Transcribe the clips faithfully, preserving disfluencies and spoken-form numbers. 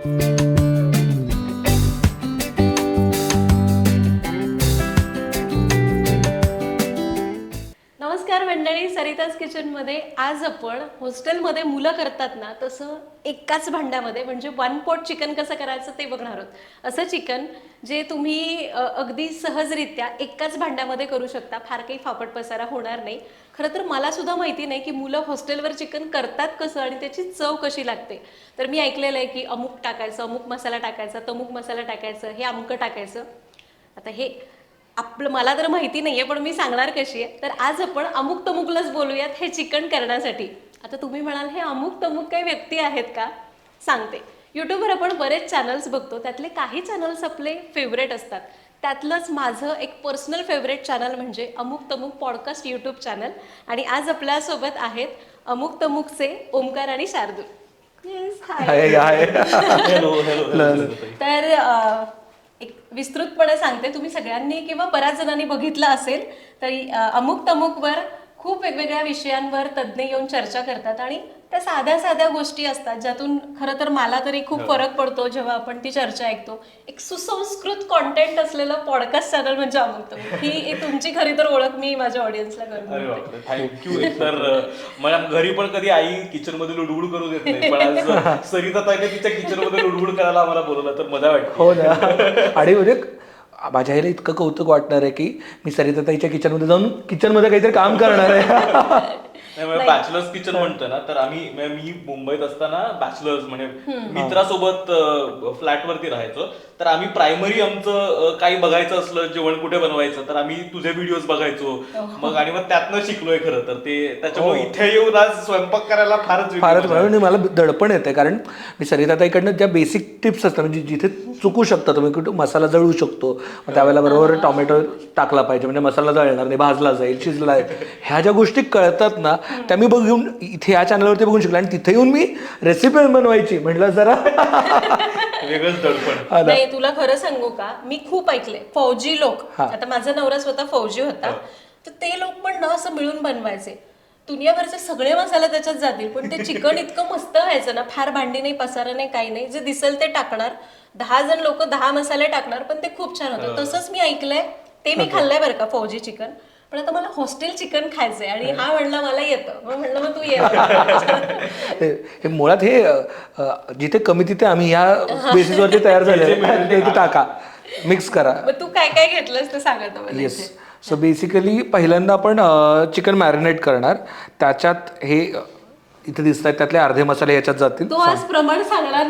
नमस्कार मंडळी, सरिताज किचनमध्ये आज आपण हॉस्टेलमध्ये मुलं करतात ना तसं एकाच भांड्यामध्ये म्हणजे वन पॉट चिकन कसं करायचं ते बघणार आहोत. असं चिकन जे तुम्ही अगदी सहजरित्या एकाच भांड्यामध्ये करू शकता, फार काही फापट पसारा होणार नाही. खरं तर मला सुद्धा माहिती नाही की मुलं हॉस्टेलवर चिकन करतात कसं आणि त्याची चव कशी लागते. तर मी ऐकलेलं आहे की अमुक टाकायचं, अमुक मसाला टाकायचा, तमुक मसाला टाकायचं, हे अमुक टाकायचं. आता हे आपलं मला तर माहिती नाहीये, पण मी सांगणार कशी आहे. तर आज आपण अमुक तमुकलाच बोलूयात हे चिकन करण्यासाठी. आता तुम्ही म्हणाल हे अमुक तमुक काही व्यक्ती आहेत का? सांगते. यूट्यूबवर आपण बरेच चॅनल्स बघतो, त्यातले काही चॅनल्स आपले फेवरेट असतात. त्यातलंच माझं एक पर्सनल फेवरेट चॅनल म्हणजे अमुक तमुक पॉडकास्ट यूट्यूब चॅनल. आणि आज आपल्यासोबत आहेत अमुक तमुकचे ओमकार आणि शार्दूल. तर एक विस्तृतपणे सांगते, तुम्ही सगळ्यांनी किंवा बऱ्याच जणांनी बघितलं असेल तरी अमुक तमुकवर खूप वेगवेगळ्या विषयांवर तज्ज्ञ येऊन चर्चा करतात आणि त्या साध्या साध्या गोष्टी असतात ज्यातून खरं तर मला तरी खूप फरक पडतो जेव्हा आपण ती चर्चा ऐकतो. एक सुसंस्कृत कॉन्टेंट असलेलं पॉडकास्ट चॅनल म्हणजे अमुक तमुक. ही तुमची खरी तर ओळख मी माझ्या ऑडियन्सला करते. थँक्यू. तर मला घरी पण कधी आई किचन मध्ये लुडबुड करू देत नाही, पण आज सरिता ताईने तिच्या किचन मध्ये लुडबुड करायला आम्हाला बोलवलं तर मजा वाटते. हो ना. आणि म्हणजे माझ्या आईला इतकं कौतुक वाटणार आहे की मी सरिता ताईच्या किचनमध्ये जाऊन किचनमध्ये काहीतरी काम करणार आहे. बॅचलर्स किचन म्हणतो ना, तर आम्ही मी मुंबईत असताना बॅचलर्स म्हणजे मित्रासोबत फ्लॅटवरती राहायचो. तर आम्ही प्रायमरी आमचं काही बघायचं असलं, जेवण कुठे बनवायचं, तर आम्ही तुझे व्हिडिओज बघायचो मग आणि मग त्यातनं शिकलोय खरं तर ते. त्याच्यामुळे इथे येऊन आज स्वयंपाक करायला फारच फारच मला दडपण येते, कारण मी सरिता ताईकडनं ज्या बेसिक टिप्स असतात म्हणजे जिथे चुकू शकता तुम्ही, कुठे मसाला जळू शकतो, त्यावेळेला बरोबर टोमॅटो टाकला पाहिजे म्हणजे मसाला जळणार नाही, भाजला जाईल, शिजला आहे, ह्या ज्या गोष्टी कळतात ना त्या मी बघून इथे या चॅनलवरती बघून शिकलो. आणि तिथे येऊन मी रेसिपी बनवायची म्हटलं जरा वेगळंच दडपण. नाही, तुला खरं सांगू का, मी खूप ऐकले फौजी लोक, आता माझा नवरा स्वतः फौजी होता, तर ते लोक पण ना असं मिळून बनवायचे. दुनियाभरचे सगळे मसाले त्याच्यात जातील पण ते चिकन इतकं मस्त व्हायचं ना, फार भांडी नाही, पसारा नाही, काही नाही, जे दिसेल ते टाकणार. दहा जण लोक दहा मसाले टाकणार पण ते खूप छान होतं. तसंच मी ऐकलंय, ते मी खाल्लंय बरं का फौजी चिकन. पण आता मला हॉस्टेल चिकन खायचंय आणि हा म्हणला मला येतं, मग म्हणलं मग तू ये. मुळात हे जिथे कमी तिथे आम्ही ह्या बेसिसवरती तयार झाले, टाका, मिक्स करा. मग तू काय काय घेतलंस ते सांगा मला. येस. सो बेसिकली पहिल्यांदा आपण चिकन मॅरिनेट करणार. त्याच्यात हे इथे दिसत आहेत त्यातले अर्धे मसाले याच्यात जातील. तो आज प्रमाण सांगणार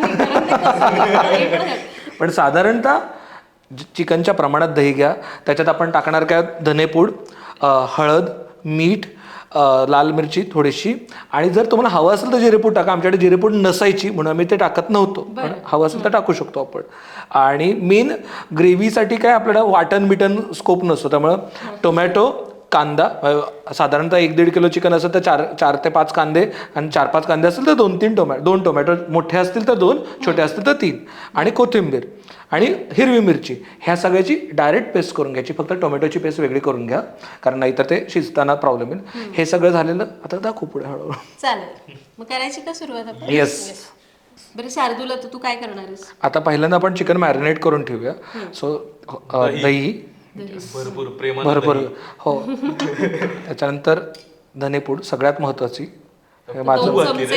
नाही, पण साधारणतः चिकनच्या प्रमाणात दही घ्या. त्याच्यात आपण टाकणार काय, धनेपूड, हळद, मीठ, लाल मिरची थोडीशी, आणि जर तुम्हाला हवं असेल तर जिरेपूड टाका. आमच्याकडे जिरेपूड नसायची म्हणून आम्ही ते टाकत नव्हतो, पण हवं असेल तर टाकू शकतो आपण. आणि मेन ग्रेव्हीसाठी काय आपल्याला वाटण बिटन स्कोप नसतो, त्यामुळं टोमॅटो, कांदा, साधारणतः एक दीड किलो चिकन असेल तर चार चार ते पाच कांदे, आणि चार पाच कांदे असतील तर दोन तीन टोमॅटो दोन टोमॅटो मोठे असतील तर दोन, छोटे असतील तर तीन, आणि कोथिंबीर आणि हिरवी मिरची, ह्या सगळ्याची डायरेक्ट पेस्ट करून घ्यायची. फक्त टोमॅटोची पेस्ट वेगळी करून घ्या, कारण नाहीतर ते शिजताना प्रॉब्लेम येईल. हे सगळं झालेलं आता दाखवू पुढे हळूहळू. चालेल, मग करायची का सुरुवात आपण? येस. बरं शार्दूल, तू काय करणार आहेस? आता पहिल्यांदा आपण चिकन मॅरिनेट करून ठेवूया. सो दही भरपूर प्रेम भरपूर हो. त्याच्यानंतर धनेपूड सगळ्यात महत्वाची, माझं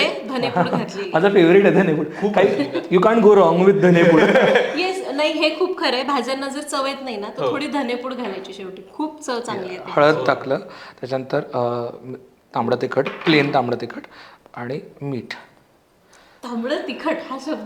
माझं फेवरेट आहे धनेपूड. काही you can't go wrong with धनेपूड. येस. नाही, हे खूप खरं आहे. भाज्यांना जर चव येत नाही ना तर थोडी धनेपूड घालायची, शेवटी खूप चव चांगली येते. हळद टाकलं, त्याच्यानंतर तांबडं तिखट, प्लेन तांबडं तिखट आणि मीठ. तांबडं तिखट हा शब्द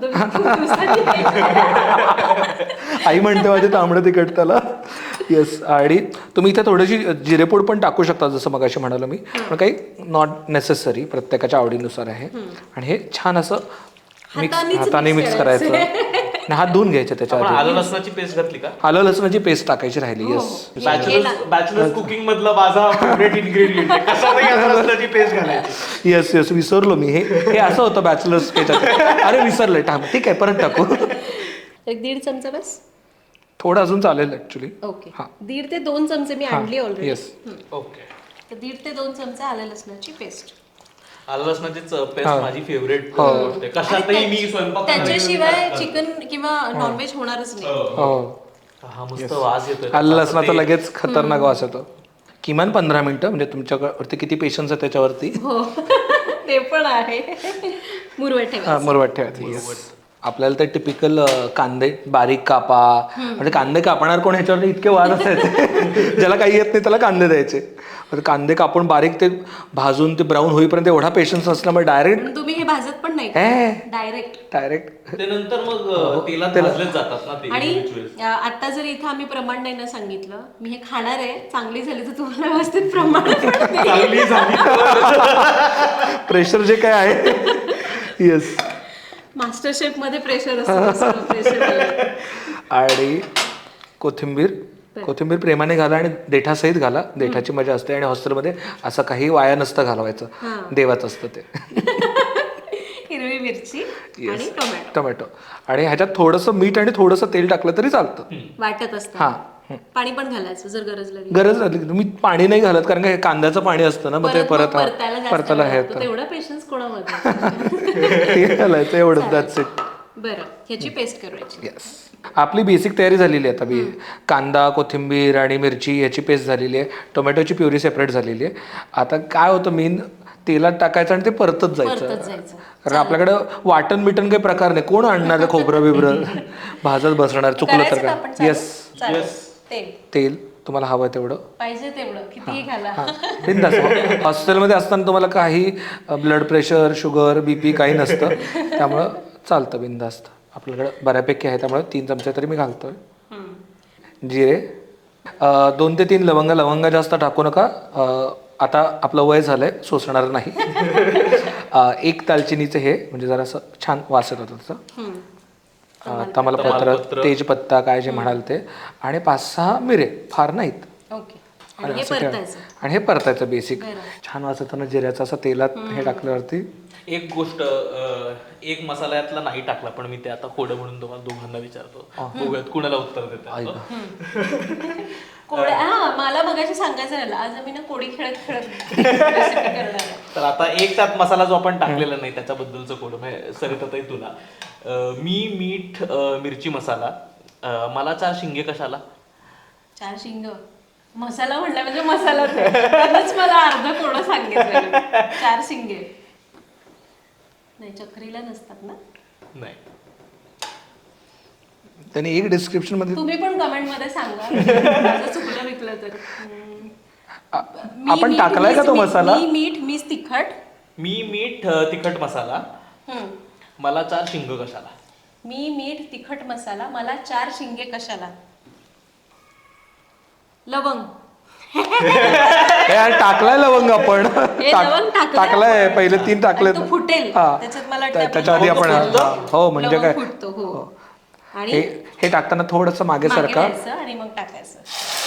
आई म्हणते माझे तांबडं तिखट त्याला. येस. आणि तुम्ही इथे थोडीशी जिरेपूड पण टाकू शकता, जसं मगाशी म्हणालो मी, पण काही नॉट नेसेसरी, प्रत्येकाच्या आवडीनुसार आहे. आणि हे छान असं मिक्स हाताने मिक्स करायचं. हात धुवून घ्यायचे. त्याच्या आलं लसणाची पेस्ट घातली का? आलं लसणाची पेस्ट टाकायची राहिली. येस. बॅचलर्स कुकिंग मधला माझा फेवरेट इन्ग्रेडियंट आहे, कशातही आलं लसणाची पेस्ट घालायची. येस येस विसरलो मी. हे हे असं होतं बॅचलर्स पेस्ट. अरे विसरलंय, टाक, ठीक आहे परत टाकू. एक दीड चमचा बस. थोडं अजून चालेल ऍक्च्युली. ओके. दीड ते दोन चमचे मी आणली ऑलरेडी. येस. ओके. तर दीड ते दोन चमचे आलं लसणाची पेस्ट. आलं लसणाची पेस्ट माझी फेवरेट हो. गोष्ट आहे. कशातही मी स्वयंपाक त्याच्याशिवाय चिकन किंवा नॉनव्हेज होणारच नाही. हो हा मस्त वास येतोय आलं लसणाचा लगेच खतरनाक वास येतो. किमान पंधरा मिनिटं म्हणजे तुमच्यावरती किती पेशन्स आहे त्याच्यावरती. हो ते पण आहे. मुरवट ठेवा. हा, मुरवट ठेवायची. Yes. आपल्याला ते टिपिकल कांदे बारीक कापा म्हणजे कांदे कापणार कोण ह्याच्यावर इतके वाद असायचे. ज्याला काही येत नाही त्याला कांदे द्यायचे. आता कांदे कापून बारीक ते भाजून ते ब्राऊन होईपर्यंत एवढा पेशन्स असल्यामुळे डायरेक्ट पण तुम्ही हे भाजत पण नाही हे डायरेक्ट. डायरेक्ट ते नंतर मग तेलात भाजलेच जातात ना ते. आणि अ, आता जर इथं आम्ही प्रमाण नाही ना सांगितलं, मी हे खाणार आहे, चांगली झाली तर तुम्हाला व्यवस्थित प्रमाण पण देईन. चांगली झाली. प्रेशर जे काय आहे. येस. मास्टर शेफ मध्ये प्रेशर असतं. प्रेशर आणि कोथिंबीर कोथिंबीर प्रेमाने घाला आणि देठासहित घाला. देठाची मजा असते आणि हॉस्टेलमध्ये असं काही वाया नसतं घालवायचं. देवाचं असतं ते. हिरवी मिरची आणि टोमॅटो टोमॅटो आणि ह्याच्यात थोडंसं मीठ आणि थोडंसं तेल टाकलं तरी चालतं. वाटत असतं. हा पाणी पण घालायचं जर गरज लागली. गरज लागली मी पाणी नाही घालत कारण का हे कांद्याचं पाणी असतं ना मग ते परत परत मग परतायला जास्त परतायला वेळ हे लागतो. तेवढा पेशन्स कोणामध्ये. ते घालायचं एवढं दॅट्स इट. बरं ह्याची पेस्ट करायची. येस. आपली बेसिक तयारी झालेली आहे आता. बी कांदा कोथिंबीर आणि मिरची याची पेस्ट झालेली आहे. टोमॅटोची प्युरी सेपरेट झालेली आहे. आता काय होतं मेन तेलात टाकायचं आणि ते परतत परतत जायचं. जायचं. कारण आपल्याकडं वाटण बिटन काही प्रकार नाही. कोण आणणार आहे खोबरं बिबरं भाजत बसणार चुकलं तर करायचं का काय. आपण चालू? येस. चालेल. तेल तेल तुम्हाला हवं तेवढं पाहिजे तेवढं कितीही घाला. बिंदास. हॉस्टेलमध्ये असताना तुम्हाला काही ब्लड प्रेशर शुगर बीपी काही नसतं त्यामुळं चालतं बिंदास्त. आपल्याकडे बऱ्यापैकी आहे त्यामुळे तीन चमचे तरी मी घालतोय. जिरे अं, दोन ते तीन लवंग लवंग जास्त टाकू नका. अं, आता आपलं वय झालंय सोसणार नाही. अं, एक दालचिनीचं हे म्हणजे जरासं छान वास येतो त्याचा. अं, तमालपत्र तेजपत्ता काय जे म्हणाल ते आणि पाच सहा मिरे फार नाहीत. ओके. आणि हे परतायचं. आणि हे परतायचं बेसिक. छान वास येतो ना जिऱ्याचा असं तेलात हे टाकल्यावरती. एक गोष्ट अं, एक मसाला यातला नाही टाकला पण मी ते आता कोडं म्हणून तुम्हाला दोघांना विचारतो. बघूयात कुणाला उत्तर देतात. कोळ्या हा मला मगाशी सांगायचं राहिलं. आज आम्ही ना कोडी खेळत खेळत recipe करणार आहे. तर आता एक त्यात मसाला जो आपण टाकलेला नाही त्याच्याबद्दलचं कोडं म्हणजे सरिताताई तुला अं, मी मीठ अं, मिरची मसाला अं, मला चार शिंगे कशाला. चार शिंग मसाला म्हणला म्हणजे मसाला त्यानंच मला अर्ध कोडं सांगितलं. चार शिंगे नाही चक्रीला नसतात ना. नाही त्यांनी एक डिस्क्रिप्शन मध्ये तुम्ही पण कमेंट मध्ये सांगा माझं चुकलं विकलं तर. हम्म. मी आपण मीठ, टाकलाय का मीच तो मीठ, मसाला? मी मीठ मीच तिखट. मी मीठ अं, तिखट मसाला हम्म. मला चार शिंग कशाला. मी मीठ तिखट मसाला मला चार शिंगे कशाला. लवंग. हे यार, टाकलाय लवंग आपण. हे टाक- लवंग टाकलंय टाकलाय आपण. पहिले तीन टाकले. आणि तो फुटेल. हा. त्याच्यात मला वाटतं त्या- आपण त्याच्या आधी आपण लवंग हा, हो म्हणजे लवंग काय फुटतो हो. आणि हे हे टाकताना थोडंसं मागे मागे सरका. वळायचं आणि मग टाकायचं.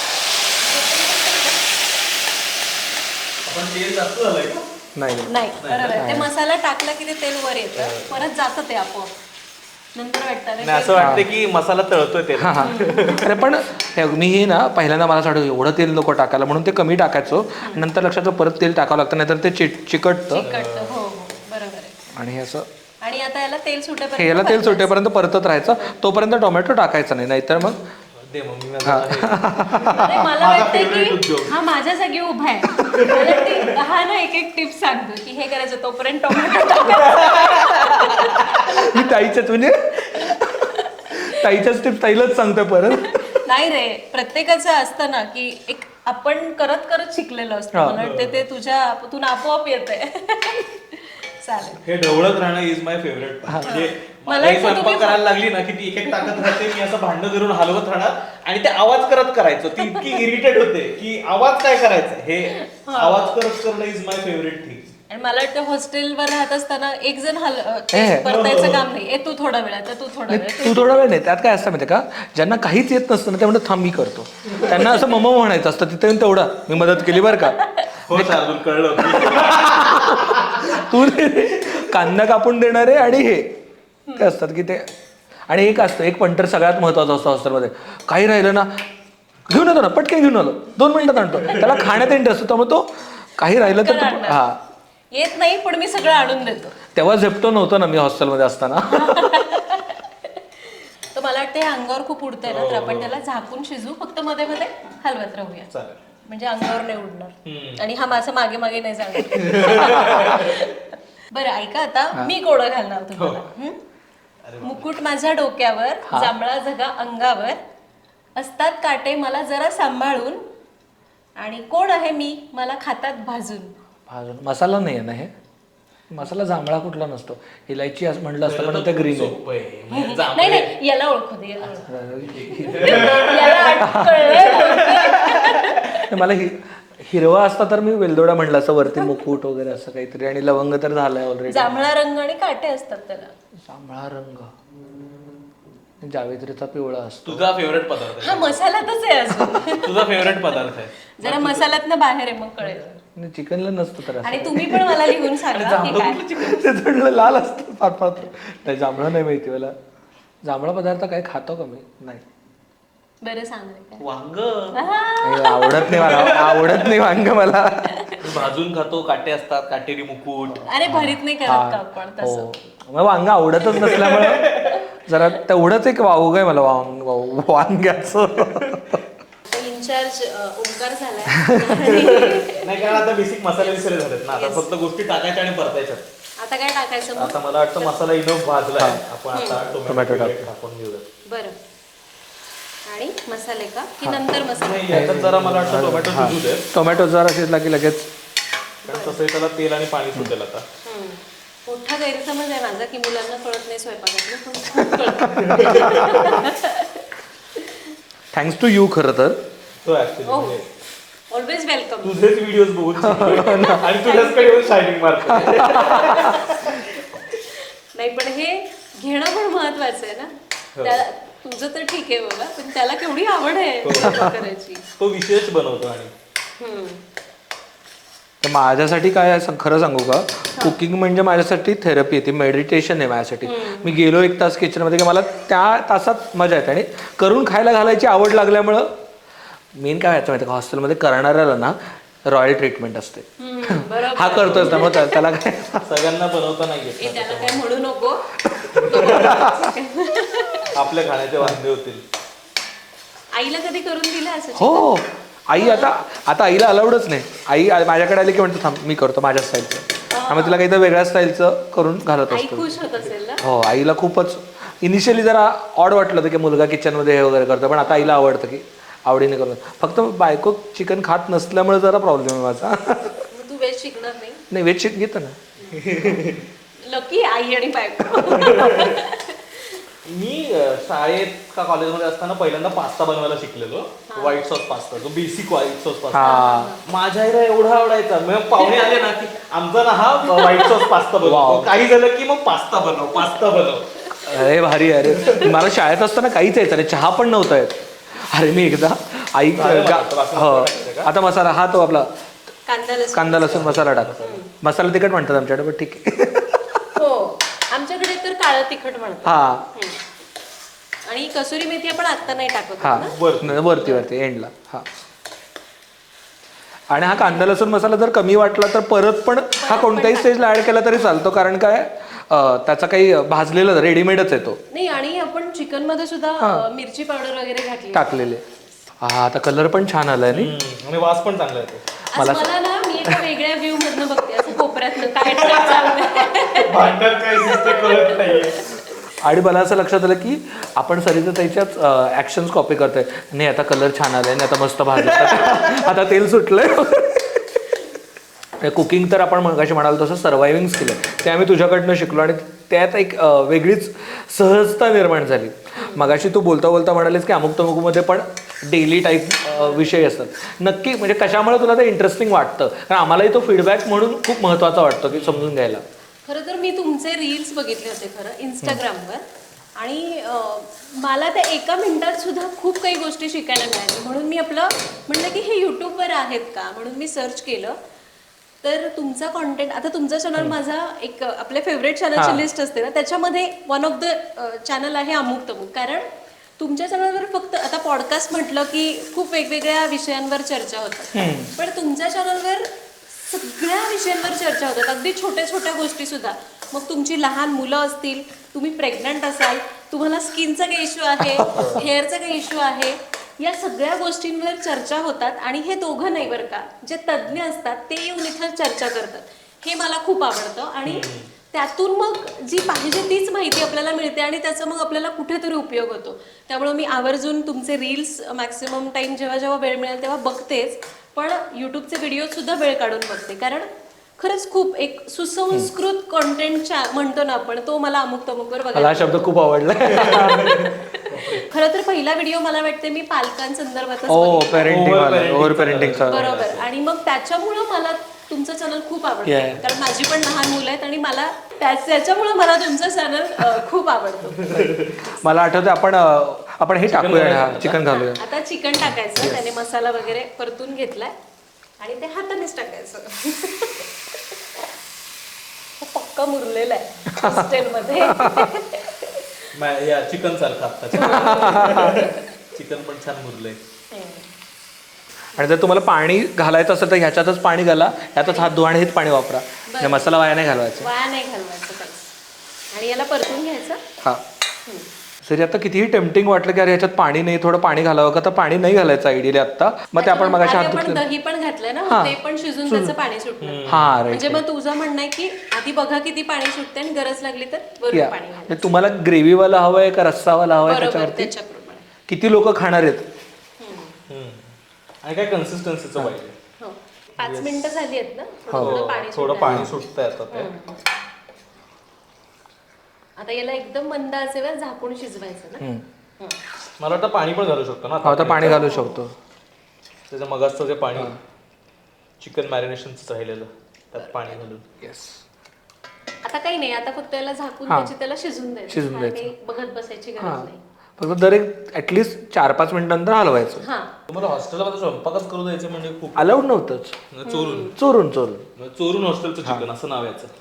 आपण तेल जास्त झालंय का. नाही नाही. नाही बरोबर आहे. ते मसाला टाकला की ते तेल वर येतं परत जातं ते आपोआप. नंतर वाटतं अरे नाही असं वाटतं की मसाला तळतोय तेल. हा हा अरे पण हे मी हे ना पहिल्यांदा मला असं वाटतं एवढं तेल नको टाकायला म्हणून ते कमी टाकायचो. नंतर लक्षात आलं परत तेल टाकावं लागतं नाहीतर ते चिट चिकटतं. चिकटतं. हो हो बरोबर आहे. आणि हे असं आणि आता याला तेल सुटेपर्यंत हे याला तेल परतायचं. सुटेपर्यंत परतत राहायचं. तोपर्यंत टोमॅटो टाकायचं नाही नाहीतर मग दे मम्मी अरे मला वाटतंय की हा माझ्या जागी उभा आहे. मला ती- हा ना एक एक टिप सांगतो की हे करायचं तोपर्यंत टोमॅटो टाकायचं. मी ताईच्याच म्हणजे ताईच्याच टिप्स ताईलाच सांगतोय परत. नाही रे प्रत्येकाचं असतं ना की एक आपण करत करत शिकलेलो असतो. मला वाटतं ते तुझ्या तुला आपोआप येतंय. चालेल. हे ढवळत राहणं इज माय फेवरेट. म्हणजे मला मला वाटतं स्वयंपाक तुम्ही- करायला लागली ना की ती एक एक टाकत राहते. मी असं भांडण धरून हलवत राहणार आणि ते आवाज करत करायचं. ती इतकी इरिटेट होते की आवाज काय करायचा हे आवाज करत करणं इज माय फेवरेट थिंग. आणि मला वाटतं हॉस्टेलवर राहत असताना एक जण हल ए. परतायचं काम नाही. ए तू थोडा वेळ आता तू थोडा वेळ. तू थोडा वेळ नाही त्यात काय असतं माहिती का ज्यांना काहीच येत नसतं ना ते म्हणतात थांब मी करतो. त्यांना असं मम म्हणायचं असतं तिथे येऊन तेवढा मी मदत केली बरं का. हो शार्दूल कळलं. तू कांदा कापून देणारे आणि हे ते असतात की ते. आणि एक असतं एक पंटर सगळ्यात महत्वाचा असतो हॉस्टेलमध्ये. काही राहिलं ना घेऊन येतो ना पटकन घेऊन आलो दोन मिनिटात आणतो. त्याला खाण्यात इंटरेस्ट असतो त्यामुळे तो काही राहिलं तर तो- हा येत नाही पण मी सगळं आणून देतो. तेव्हा झेप्टो नव्हतं ना मी हॉस्टेलमध्ये असताना. तर मला वाटतं हे अंगावर खूप उडतंय ना, तर आपण त्याला झाकून शिजू, फक्त मध्ये मध्ये हलवत राहूया. चालेल. म्हणजे अंगावर नाही उडणार आणि हा माझा मागे मागे नाही जाणार. बरं ऐका, आता मी कोडं घालणार तुम्हाला. हं? मुकुट माझ्या डोक्यावर, जांभळा झगा अंगावर, असतात काटे मला जरा सांभाळून, आणि कोण आहे मी मला खातात भाजून. भाजून मसाला नाही आहे ना हे? मसाला जांभळा कुठला नसतो, इलायची असं म्हटलं असतं पण ते ग्रीन आहे. नाही नाही, याला ओळखू दे, याला ओळखू दे. याला कळलंय. मला हि हिरवा असता तर मी वेलदोडा म्हटलं असं, वरती मुकुट वगैरे असं काहीतरी, आणि लवंग तर झालंय ऑलरेडी. जांभळा रंग आणि काटे असतात त्याला. जांभळा रंग, जावेत्रीचा पिवळा असतो. तुझा फेवरेट पदार्थ हा मसाल्यातच आहे अजून. आहे तुझा फेवरेट पदार्थ आहे. जरा मसाल्यातनं बाहेर आहे, मग कळेल. चिकनला नसतं तर आणि तुम्ही पण मला लिहून सांगा की काय. ते थोडं लाल असतं पात पात. नाही जांभळा नाही माहिती मला. जांभळा पदार्थ काय खातो का मी? नाही. बरं सांग रे काय. वांग नाही, आवडत नाही मला, आवडत नाही वांग मला. भाजून खातो, काटे असतात, काटेरी मुकुट. अरे भरीत नाही करत का आपण तसं. हो, मला वांग आवडतच नसल्यामुळे जरा तेवढंच एक वावग आहे मला वांग वांग्याचं. इन्चार्ज ओंकार झालाय. नाही, कारण आता बेसिक मसाले विसरे झालेत ना, आता फक्त गोष्टी टाकायच्या आणि परतायच्या. आता काय टाकायचं मग? आता मला वाटतं मसाला इनफ भाजलाय, आपण आता टोमॅटो टोमॅटो टाकून घेऊया. बरं, आणि मसाले का की नंतर मसाले? नाही, याच्यात जरा मला वाटतं टोमॅटो शिजू दे, टोमॅटो जरा शिजला की लगेच. कारण तसंही त्याला तेल आणि पाणी सुटेल आता. हम्म. मोठा गैरसमज आहे माझा की मुलांना कळत नाही स्वयंपाकातलं, पण खूप कळतं. थँक्स टू यू खरं तर. तो ऍक्च्युली हो, ऑलवेज वेलकम. तुझेच व्हिडिओज बघून शिकलो. आणि तुझ्याचकडे येऊन शायनिंग मारतो. नाही पण हे घेणं पण महत्वाचं आहे ना. त्याला तुझं तर ठीक आहे बाबा, पण त्याला केवढी आवड आहे स्वयंपाक करायची. तो विशेष बनवतो. आणि हम्म. तर माझ्यासाठी काय आहे, खरं सांगू का, कुकिंग म्हणजे माझ्यासाठी थेरपी आहे, ती मेडिटेशन आहे माझ्यासाठी. मी गेलो एक तास किचनमध्ये की मला त्या तासात मजा येते, आणि करून खायला घालायची आवड लागल्यामुळं मेन काय व्हायचं माहिती का, हॉस्टेलमध्ये करणाऱ्याला ना रॉयल ट्रीटमेंट असते. बरोबर. हा करतोय मग त्याला काय. सगळ्यांना बनवता नाही येत. ए, त्याला काय म्हणू नको. आपल्या खाण्याचे वांदे होतील. आईला कधी करून दिलं असं? हो, आई आता आता आईला अलाउडच नाही. आई माझ्याकडे आली की म्हणतो थांब मी करतो माझ्या स्टाईलचं, त्यामुळे तिला काहीतरी वेगळ्या स्टाईलचं करून घालत आई असतो. खुश होत असेल ना. हो, आईला खूपच इनिशियली जरा ऑड वाटलं होतं की मुलगा किचनमध्ये हे वगैरे करतो, पण आता आईला आवडतं की आवडीने करून. फक्त बायको चिकन खात नसल्यामुळे जरा प्रॉब्लेम आहे माझा. मग तू वेज शिकणार नाही? नाही, वेज चिकन घेतं ना. लकी आई आणि बायको. मी अं, शाळेत का कॉलेजमध्ये असताना पहिल्यांदा पास्ता बनवायला शिकलेलो. व्हाईट सॉस पास्ता, जो बेसिक व्हाईट सॉस पास्ता माझ्या आईला एवढा आवडायचा. मग पाहुणे आले ना की आमचा ना हा व्हाईट सॉस पास्ता बनव, काही झालं की मग पास्ता बनव पास्ता बनव. अरे भारी. अरे मला शाळेत असताना काहीच यायचं नाही, चहा पण नव्हता येत. अरे मी एकदा आई हो आता मसाला हा तो आपला कांदा लसूण. कांदा लसूण मसाला टाक. मसाला तिखट म्हणतात आमच्याकडे, पण ठीक आहे. हो, आमच्याकडे तर काळं तिखट म्हणतात. हा, हम्म. आणि कसुरी मेथी आपण आता नाही टाकत हा ना. वरती वरती एंडला. हा, आणि हा कांदा लसूण मसाला जर कमी वाटला तर परत पण हा कोणत्याही स्टेजला ऍड केला तरी चालतो, कारण काय त्याचा काही भाजलेला रेडीमेडच येतो. नाही, आणि आपण चिकन मध्ये सुद्धा अ, मिरची पावडर वगैरे घातली टाकलेले. हा, आता कलर पण छान आलाय नाही. हम्म, आणि वास पण चांगला येतो. आज मला ना, मी एका वेगळ्या व्ह्यू मधनं बघते, असं कोपऱ्यातनं काय चाललंय. भांडण काय दिसते कळत नाहीये. आणि मला असं लक्षात आलं की आपण सरिता ताईच्याच ऍक्शन्स कॉपी करतोय. नाही आता कलर छान आलाय, नाही आता मस्त भाजलं, आता तेल सुटलंय. कुकिंग तर आपण मगाशी म्हणाल तसं सर्वायव्हिंग स्किल आहे, ते आम्ही तुझ्याकडनं शिकलो, आणि त्यात एक वेगळीच सहजता निर्माण झाली. मगाशी तू बोलता बोलता म्हणालीस की अमुक तमुकमध्ये पण डेली टाईप विषय असतात. नक्की म्हणजे कशामुळे तुला ते इंटरेस्टिंग वाटतं? कारण आम्हालाही तो फीडबॅक म्हणून खूप महत्त्वाचा वाटतो की समजून घ्यायला. खरं तर मी तुमचे रील्स बघितले होते खरं इंस्टाग्रामवर, आणि अं, मला त्या एका मिनिटात सुद्धा खूप काही गोष्टी शिकायला मिळाल्या. म्हणून मी आपलं म्हणलं की हे यूट्यूबवर आहेत का, म्हणून मी सर्च केलं. तर तुमचा कॉन्टेंट, आता तुमचा चॅनल माझा एक आपल्या फेवरेट चॅनलची लिस्ट असते ना, त्याच्यामध्ये वन ऑफ द चॅनल आहे अमुक तमुक. कारण तुमच्या चॅनलवर फक्त आता पॉडकास्ट म्हटलं की खूप वेगवेगळ्या विषयांवर चर्चा होतात, पण तुमच्या चॅनलवर सगळ्या विषयांवर चर्चा होतात, अगदी छोट्या छोट्या गोष्टी सुद्धा. मग तुमची लहान मुलं असतील, तुम्ही प्रेग्नंट असाल, तुम्हाला स्किनचा काही इश्यू आहे, हेअरचा काही इश्यू आहे, या सगळ्या गोष्टींवर चर्चा होतात. आणि हे दोघं नाही बरं का, जे तज्ज्ञ असतात ते येऊन इथं चर्चा करतात. हे मला खूप आवडतं आणि त्यातून मग जी पाहिजे तीच माहिती आपल्याला मिळते आणि त्याचा मग आपल्याला कुठेतरी उपयोग होतो. त्यामुळे मी आवर्जून तुमचे रील्स मॅक्सिमम टाइम जेव्हा जेव्हा वेळ मिळेल तेव्हा बघतेच, पण यूट्यूबचे व्हिडिओ सुद्धा वेळ काढून बघते. कारण खरंच खूप एक सुसंस्कृत कॉन्टेंटच्या म्हणतो ना आपण, तो मला अमुक तमुकवर मला बघायला हा शब्द खूप आवडला. खरं तर पहिला व्हिडिओ मला वाटते मी पालकांसंदर्भातच ओ बघितला. पेरेंटिंग Over ओव्हर पेरेंटिंगचा. बरोबर. आणि मग त्याच्यामुळं मला तुमचं चॅनल खूप आवडतं. Yeah. कारण माझी पण लहान मुलं आहेत आणि मला त्याच त्याच्यामुळे मला तुमचं चॅनल खूप आवडतं. मला आठवतं आपण अं, आपण हे टाकूया, चिकन घालूया. आता चिकन टाकायचं, त्याने मसाला वगैरे परतून घेतलाय आणि ते हातानेच टाकायचं. पक्का मुरलेला आहे हॉस्टेलमध्ये. या चिकन सारखं आता चिकन पण छान मुरलंय. आणि जर तुम्हाला पाणी घालायचं असेल तर ह्याच्यातच पाणी घाला, ह्यातच हात धुवा आणि हेच पाणी वापरा. म्हणजे मसाला वाया नाही घालवायचा. वाया नाही घालवायचं काहीच. आणि याला परतून घ्यायचं. हा सरी आता कितीही टेम्पटिंग वाटलं की अरे ह्याच्यात पाणी नाही, थोडं पाणी घालावं का, तर पाणी नाही घालायचं आयडियली आता. मग ते आपण मगाशी हात आपण धुतले. दही पण घातलंय ना, हा. ते पण शिजून त्याचं पाणी सुटलं. हा राईट. म्हणजे मग तुझं म्हणणं आहे की आधी बघा किती पाणी सुटते आणि गरज लागली तर वरून पाणी घालायचं. तुम्हाला ग्रेव्हीवाला हवंय का रस्सावाला हवाय बरोबर, त्याच्यावरती. त्याच्याप्रमाणे. किती लोक खाणार आहेत. आणि काय कन्सिस्टन्सीचं पाहिजे. हो. पाच मिनिटं झाली आहेत ना, हो. थोडं पाणी थोडं सुटलंय. पाणी सुटतंय आता ते. आता याला एकदम मंद आचेवर झाकून शिजवायचं ना. हं. मला वाटतं पाणी पण घालू शकतो ना हो तर पाणी घालू शकतो. त्याचं मगाचं जे पाणी चिकन मॅरिनेशनचं राहिलेलं त्यात पाणी घालून. येस. आता काही नाही, आता फक्त याला झाकून हा. त्याची त्याला शिजून द्यायचं. शिजून हा, द्यायचं. काही बघत बसायची गरज हा नाही. फक्त दर एक ऍटलिस्ट चार पाच मिनिटांनंतर हलवायचं. हा. तुम्हाला हॉस्टेलला मध्ये स्वयंपाकच करू द्यायचं म्हणजे खूप अलाउड नव्हतंच. म्हणजे चोरून चोरून चोरून म्हणजे चोरून हॉस्टेलचं चिकन असं नाव याचं.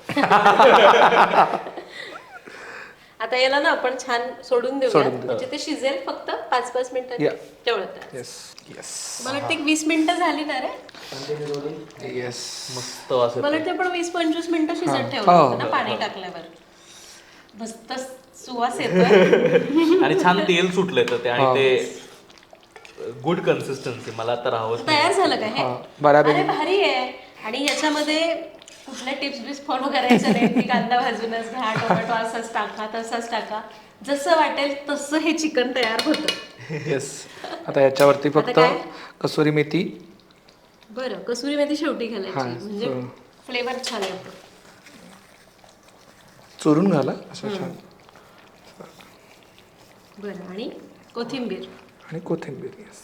आता याला ना आपण छान सोडून देऊया, सोडून देऊ. म्हणजे ते शिजेल फक्त पाच पाच मिनिटांनी. Yeah. तेवढं तर. येस येस मला वाटतं एक वीस मिनिटं झाली ना रे. येस. मस्त वास मला वाटतं आपण वीस पंचवीस मिनिटं शिजत ठेवलं हो. होतं ना पाणी टाकल्यावर. मस्त सुवास येतोय. आणि छान तेल सुटलंय तर ते आणि ते गुड कन्सिस्टन्सी. मला तर हवंच नाही. तयार झालं का हे? हा, बऱ्यापैकी. अरे भारी आहे. आणि याच्यामध्ये कुठल्या टिप्स बिप्स फॉलो करायच्या नाही की कांदा भाजूनच घ्या, टोमॅटो असाच टाका तसाच टाका, जसं वाटेल तसं हे चिकन तयार होतं. येस. आता याच्यावरती फक्त काय? कसुरी मेथी. बरं, कसुरी मेथी शेवटी घालायची हा, म्हणजे so- फ्लेवर छान येतो. चोरून घाला असं छान. बरं, आणि कोथिंबीर. आणि कोथिंबीर. येस.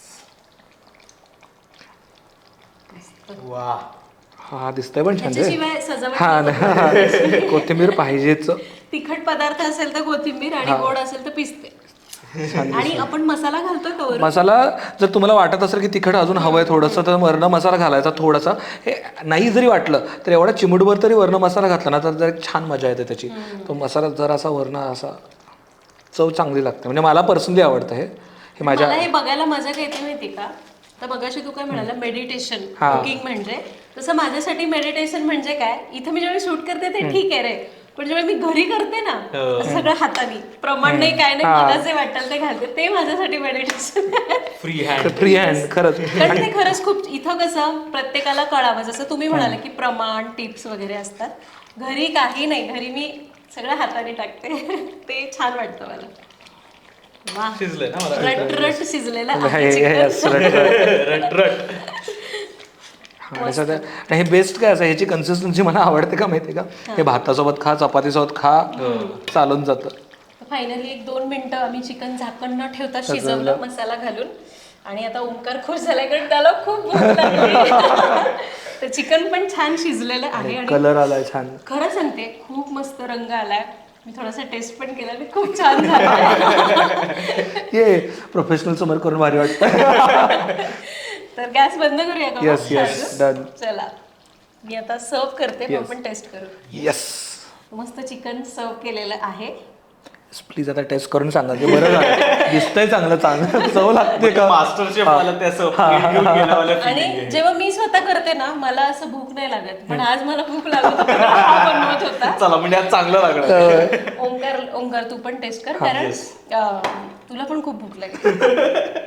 वा. हा दिसतंय पण छान रे. त्याच्याशिवाय सजावट हा नाही होत. ना. कोथिंबीर पाहिजेच. तिखट पदार्थ असेल तर कोथिंबीर आणि गोड असेल तर पिस्ते. आणि आपण मसाला घालतोय का वरून? मसाला जर तुम्हाला वाटत असेल की तिखट अजून हवंय थोडंसं तर वर्ण मसाला घालायचा थोडासा. हे नाही जरी वाटलं तर एवढा चिमूटभर तरी वर्ण मसाला घातला ना तर जर एक छान मजा येते त्याची. तो मसाला जर असा वर्ण असा चव चांगली लागते. म्हणजे मला पर्सनली आवडतं हे. हे माझ्या मला हे बघायला मजा काय येते माहिती का? तर मगाशी तू काय म्हणाला मेडिटेशन हा. कुकिंग म्हणजे, तसं माझ्यासाठी मेडिटेशन म्हणजे काय, इथं मी ज्यावेळी शूट करते ते ठीक आहे रे, पण ज्यावेळी मी घरी करते ना सगळं हाताने, प्रमाण नाही काय नाही, मला जे वाटेल ते घालते, ते माझ्यासाठी meditation. Free hand. Free hand खरंच. कारण ते खरंच खूप इथं कसं प्रत्येकाला कळावं, जसं तुम्ही म्हणाले की प्रमाण टिप्स वगैरे असतात, घरी काही नाही, घरी मी सगळं हाताने टाकते. ते छान वाटतं मला. वाह, शिजलंय ना मला. रट रट शिजलेलं हे- आहे हे- चिकन. रट रट. आणि सध्या आणि हे बेस्ट काय असं ह्याची कन्सिस्टन्सी मला आवडते का माहिती का? हे भातासोबत खा, चपातीसोबत खा, चालून जातं. फायनली एक दोन मिनिटं आम्ही चिकन झाकण न ठेवता शिजवलं मसाला घालून. आणि आता ओंकार खुश झालाय कारण त्याला खूप भूक लागली. तर चिकन पण छान शिजलेलं आहे आणि कलर आलाय छान. खरं सांगते खूप मस्त रंग आलाय. मी थोडासा टेस्ट पण केला, मी खूप छान झाला. ये प्रोफेशनल समोर करून भारी वाटतं. तर गॅस बंद करूया का? Yes yes done. चला, मी आता सर्व करते, मग आपण टेस्ट करू. येस. मस्त चिकन सर्व केलेलं आहे. प्लीज आता टेस्ट करून सांगा की बरं झालं दिसतंय चांगलं चांगलं चव लागते का मास्टर शेफ मला ते असं plate घेऊन गेल्यावालं feeling आणि आहे. जेव्हा मी स्वतः करते ना मला असं भूक नाही लागत पण आज मला भूक लागत होती, हा बनवत होता. चला म्हणजे आज चांगलं लागलं. ओंकार ओंकार तू पण टेस्ट कर कारण yes. अं, तुला पण खूप भूक लागेल.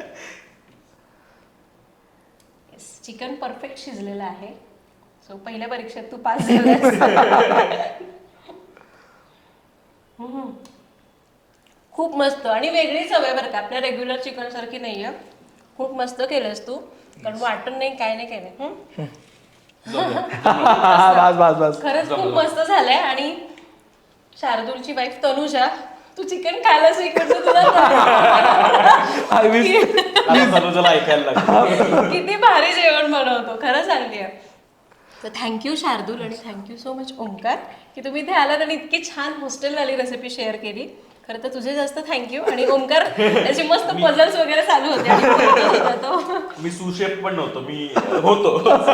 चिकन परफेक्ट शिजलेलं आहे. सो पहिल्या परीक्षेत तू पास झालास. हम्म. खूप मस्त आणि वेगळी चव आहे बरं का, आपल्या रेग्युलर चिकन सारखी नाहीये. खूप मस्त केलंस तू, कारण वाटण नाही काय नाही काय नाही. हम्म. बस बस बस खरंच खूप मस्त झालंय. आणि शार्दूलची वाईफ तनुजा, तू चिकन खायला इकडचं तुला आय विश आता तनुजाला ऐकायला लागलं. किती भारी जेवण बनवतो खरं सांगते. तर थँक्यू शार्दूल आणि थँक्यू सो मच ओंकार की तुम्ही इथे आलात आणि इतकी छान हॉस्टेलवाली रेसिपी शेअर केली. खरं तर तुझे जास्त थँक्यू. आणि ओंकार त्याचे मस्त पझल्स वगैरे चालू होते आणि बोलत होता तो. मी सुशेफ पण नव्हतो, मी होतो.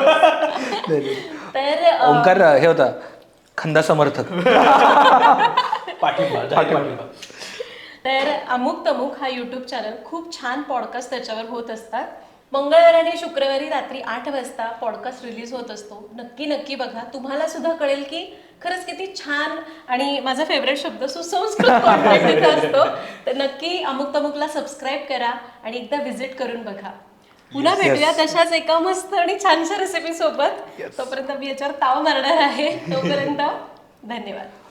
तर अं, ओंकार हे होता खंदा समर्थक. पाठिंबा जाहीर पाठिंबा. तर अमुक तमुक हा यूट्यूब चॅनल खूप छान पॉडकास्ट त्याच्यावर होत असतात. मंगळवारी आणि शुक्रवारी रात्री आठ वाजता पॉडकास्ट रिलीज होत असतो. नक्की नक्की बघा, तुम्हाला सुद्धा कळेल की खरंच किती छान आणि माझा फेवरेट शब्द सुसंस्कृत कॉन्टेंट इथे असतो. तर नक्की अमुक तमुकला सबस्क्राईब करा आणि एकदा व्हिजिट करून बघा. पुन्हा भेटूया तशाच एका मस्त आणि छानशा रेसिपी सोबत. तोपर्यंत मी याच्यावर ताव मारणार आहे. तोपर्यंत धन्यवाद.